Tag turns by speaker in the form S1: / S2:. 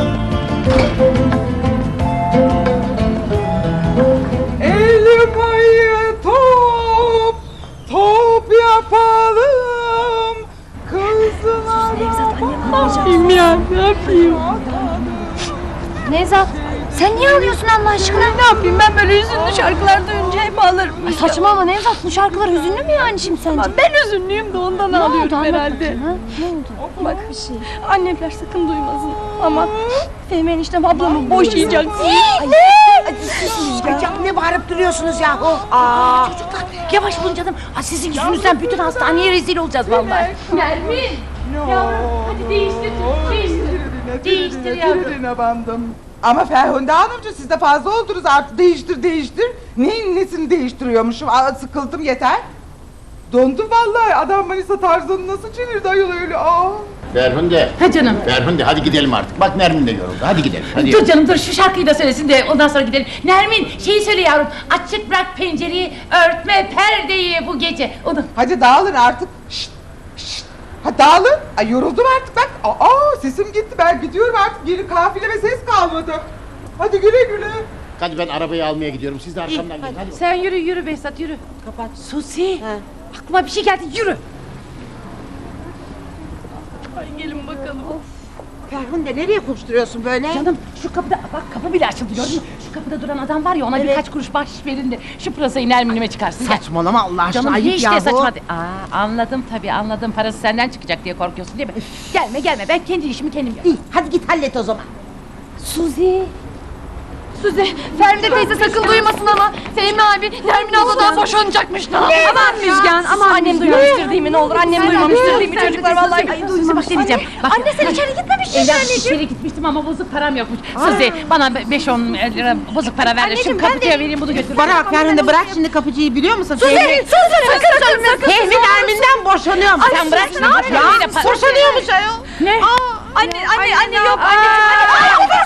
S1: Elmayı top yapalım. Kızlar
S2: yapayım ya, ne yapayım?
S3: Nevzat, sen niye ağlıyorsun Allah aşkına?
S2: Ne yapayım, ben böyle hüzünlü şarkılar duyunca hep ağlarım.
S3: Ay saçmalama Nevzat, bu şarkılar hüzünlü mü yani şimdi sence?
S2: Ben hüzünlüyüm de ondan
S3: Ne oldu,
S2: ağlıyorum
S3: anlat
S2: herhalde.
S3: bakayım, ha? Ne oldu?
S2: Bak, annemler sakın duymasın ama Fehmi eniştem ablamı boşayacak.
S4: Ay canım, ne bağırıp duruyorsunuz yahu? Çocuklar yavaş bulun canım. Sizin yüzünüzden bütün hastaneye rezil olacağız vallahi.
S2: Nermin! Yavrum, hadi değiştir yavrum.
S1: bandım. Ama Ferhunde Hanımcığım, siz de fazla oldunuz artık. Değiştir. Neyin nesini değiştiriyormuşum? Sıkıldım, yeter. Dondum vallahi. Adam Manisa Tarzan'ı nasıl çevirdi ayol öyle?
S5: Ferhunde.
S6: Ha canım.
S5: Ferhunde hadi gidelim artık. Bak Nermin de yoruldu. Hadi gidelim. Hadi.
S6: Dur canım dur, şu şarkıyı da söylesin de ondan sonra gidelim. Nermin şeyi söyle yavrum. Açık bırak pencereyi, örtme perdeyi bu gece. Onu.
S1: Hadi dağılın artık. Şşt. Ha dağılın. Ay yoruldum artık bak. Sesim gitti, ben gidiyorum artık. Geri kafileme ses kalmadı. Hadi güle güle.
S5: Hadi ben arabayı almaya gidiyorum. Siz de arkamdan gelin. Hadi.
S6: Sen yürü Behzat yürü.
S4: Kapat.
S6: Susi. Aklıma bir şey geldi, yürü.
S2: Ay gelin bakalım.
S4: Ferhunde nereye koşturuyorsun böyle?
S6: Canım şu kapıda, bak kapı bile açıldı gördün mü? Şu kapıda duran adam var ya, ona birkaç kuruş bahşiş verin de şu pırasayı Nermin'ime çıkarsın. Gel.
S4: Saçmalama Allah aşkına,
S6: Canım
S4: ayıp
S6: hiç
S4: yahu.
S6: de saçma değil. Anladım tabii, anladım. Parası senden çıkacak diye korkuyorsun değil mi? Gelme, ben kendi işimi kendim yapayım.
S4: İyi, hadi git hallet o zaman.
S3: Suzi.
S2: Suzi, Feride teyze sakın duymasın ama Fehmi abi Nermin abladan boşanacakmış. Ne? Aman Müjgan, aman annem duymamıştır değil mi, ne olur annem duymamıştır değil mi çocuklar vallahi.
S6: Ay Suzi bak ne diyeceğim. Bak,
S3: Anne sen içeri gitmemişsin
S6: Evden
S3: anneciğim.
S6: içeri gitmiştim ama bozuk param yokmuş. Suzi bana 5-10 lira bozuk para ver de
S3: Anneciğim,
S6: şu
S3: ben
S6: kapıcıya vereyim, bunu götür.
S4: Bana bak Ferhunde, bırak şimdi kapıcıyı, biliyor musun?
S3: Sakın
S4: Fehmi Nermin'den boşanıyor mu?
S6: Sen bırak şimdi.
S4: Ya boşanıyormuş ayol.
S6: Ne?
S2: Anne yok anne.